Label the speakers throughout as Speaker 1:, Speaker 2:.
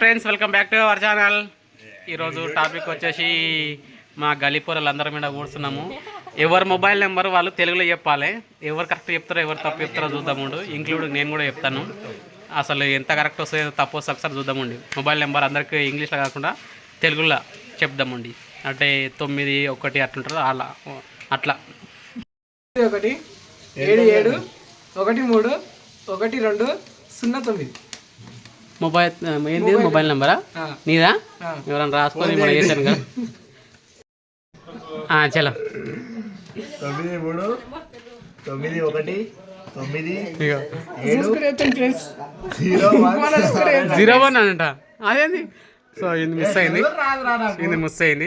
Speaker 1: Friends, welcome back to our channel. ఈరోజు topic వచ్చేసి మా గలీపూరలు అందరి మీద కూర్చున్నాము. ఎవరు మొబైల్ నెంబర్ వాళ్ళు తెలుగులో చెప్పాలి. ఎవరు కరెక్ట్ చెప్తారో ఎవరు తప్పు చెప్తారో చూద్దాముండు. ఇంక్లూడింగ్ నేను కూడా చెప్తాను. అసలు ఎంత కరెక్ట్ వస్తుందో తప్పు వస్తే ఒకసారి చూద్దామండి. మొబైల్ నెంబర్ అందరికీ ఇంగ్లీష్లో కాకుండా తెలుగులో చెప్దామండి. అంటే 9 1 అట్లుంటారు అలా అట్లా
Speaker 2: 1 7 7 1 3 1 2 0 9.
Speaker 1: మొబైల్ ఏంది? మొబైల్ నెంబరా నీదా? ఎవరైనా రాసుకొని మనం చేశాను కదా. చలో
Speaker 3: 9 3 9 1 9
Speaker 1: 0 1 అంట. అదేంది? సో ఇది మిస్ అయింది. ఇది మిస్ అయింది.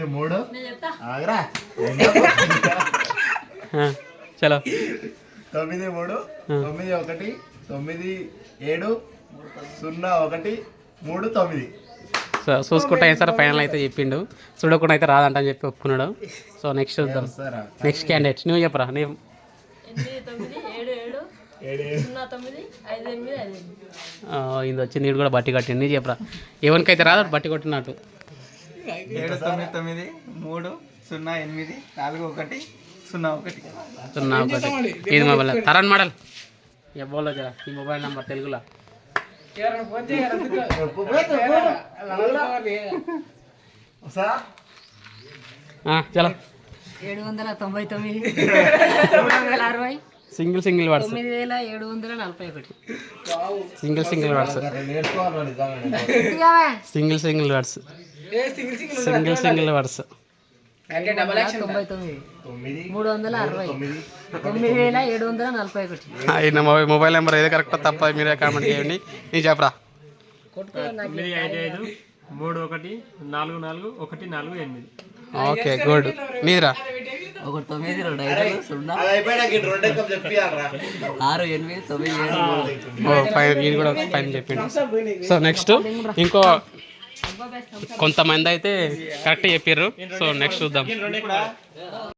Speaker 1: చలో
Speaker 3: 9 3 9 1 9 7 0 1 3 9.
Speaker 1: సో చూసుకుంటా సార్ ఫైనల్ అయితే చెప్పిండు. చూడకుండా అయితే రాదంట అని చెప్పి ఒప్పుకున్నాడు. సో నెక్స్ట్ చూద్దాం. నెక్స్ట్ క్యాండిడేట్ నువ్వు చెప్పరా. నేను ఇది వచ్చి నీడు కూడా బట్టి కట్టిండు. నీ చెప్పరా ఎవరికైతే రాదు బట్టి కొట్టినట్టు.
Speaker 2: 7 9 9 3 0 8 4 1 0 1.
Speaker 1: ఇది మొబైల్ తరణ్ మోడల్ ఎవ్వలో జరా ఈ మొబైల్ నెంబర్ తెలుగులో. చలో
Speaker 4: 799 360
Speaker 1: single words
Speaker 4: 9741
Speaker 1: single words single words
Speaker 4: 360
Speaker 1: mobile number ఏదో కరెక్ట్ తప్ప మీరే కామెంట్ చేయండి. నీ చెప్పరా.
Speaker 5: 955 31 44 148.
Speaker 1: Okay good. మీరా
Speaker 4: 1 9 2 5 0 6 8 9
Speaker 1: 7 ఇది కూడా పైన చెప్పిండు. సో నెక్స్ట్ ఇంకో కొంతమంది అయితే కరెక్ట్ చెప్పారు. సో నెక్స్ట్ చూద్దాం.